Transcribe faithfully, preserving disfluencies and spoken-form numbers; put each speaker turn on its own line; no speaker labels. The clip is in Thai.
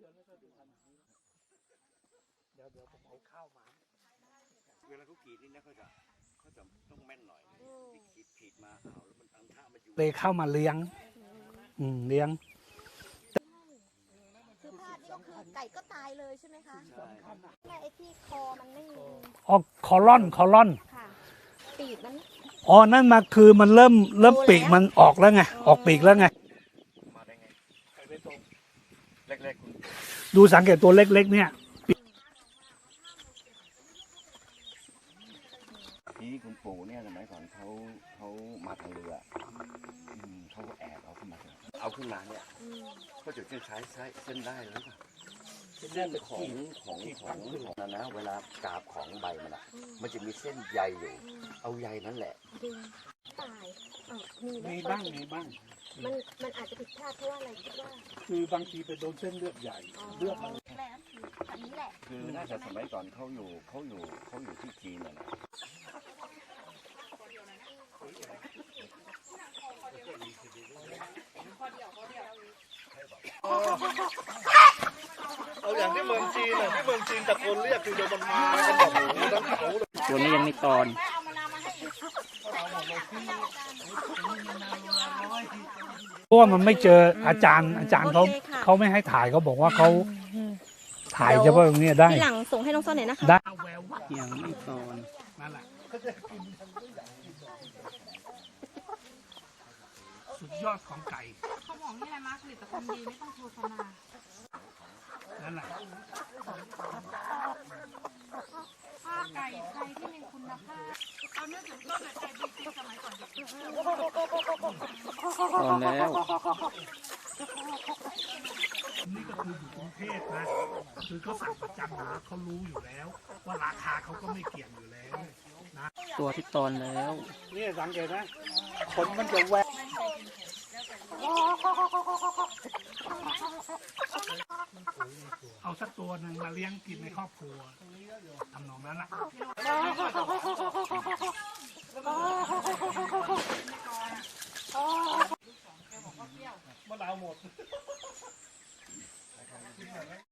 เดี๋ยวเดี๋ยวผมเอาข้าวมา
เวลาเขากรีดนี่นะเขาจะเขาจะต้องแม่นหน่อยที่กรีดผิดมาเอาแล้วมันทำท่ามันอยู่
เลยเข้ามาเลี้ยงอืมเลี้ยง
คือพลาดนี่ก็คือไก่ก็ตายเลยใช่ไหมคะแม่ไอ้ที่คอมันไม่มี
อ๋อคอลอนคอลอน
ค่ะปีกมัน
อ๋อนั่นมาคือมันเริ่มเริ่มปีกมันออกแล้วไงออกปีกแล้วไง
มาได้ไงเล็กๆคุณ
ดูสังเกตตัวเล็กๆเนี่ย
ที่คุณปู่เนี่ยสมัยก่อนเขาเขามาทางเรือเขาก็แอบเอาขึ้นมาเอาขึ้นมาเนี่ยก็จะคล้ายๆเส้นได้แล้วป่ะเส้นของของของของนะนะเวลากาบของใบมันอ่ะมันจะมีเส้นใยอยู่เอาใยนั่นแหละ
ดึงตายมี
มีบ้างมีบ้าง
มันมันอาจจะผิดพลาดเพราะว่าอะไรคิดว่า
คือบางทีไปโดนเส้นเลือดใหญ่เลือดมัน
แล้วคืออันนี้แหละ
คือน่าจะสมัยก่อนเขาอยู่เขาอยู่เขาอยู่ที่จีนน่ะนะ
เอาอย่างที่เมืองจีนน่ะที่เมืองจีนตะโกนเรียกคือโดนมันมากันแบบโอ้โหทั้งเขาเลย
ตัวนี้ยังไม่ตอนเพราะว่ามันไม่เจออาจารย์อาจารย์เขาเขาไม่ให้ถ่ายเขาบอกว่าเขาถ่ายเฉพาะตรงนี้ได้
ที่หลังส่งให้น้องส้นหน่อยนะคะ
ได้ยังไม่ตอนนั่นแหละสุดยอดของไก่
เขาบอกนี่อะไรมาผลิตภัณฑ์ดีไม่ต้องโฆษณา
นั่นแหละ
ผ้าไก่ไทยที่มีคุณภาพเอาเนื้อถึงต้นไก่บิ๊กสมัยก่อน
ตอนแล้วนี่ก็คืออยู่กรุงเทพนะคือเขาสั่งประจำอยู่แล้วเขารู้อยู่แล้วว่าราคาเขาก็ไม่เกี่ยงอยู่แล้วนะตัวที่ตอนแล้วนี่สังเกตนะขนมันจะแหวกเอาสักตัวหนึ่งมาเลี้ยงกินในครอบครัวทำนองนั้นแหละมะนาวหมด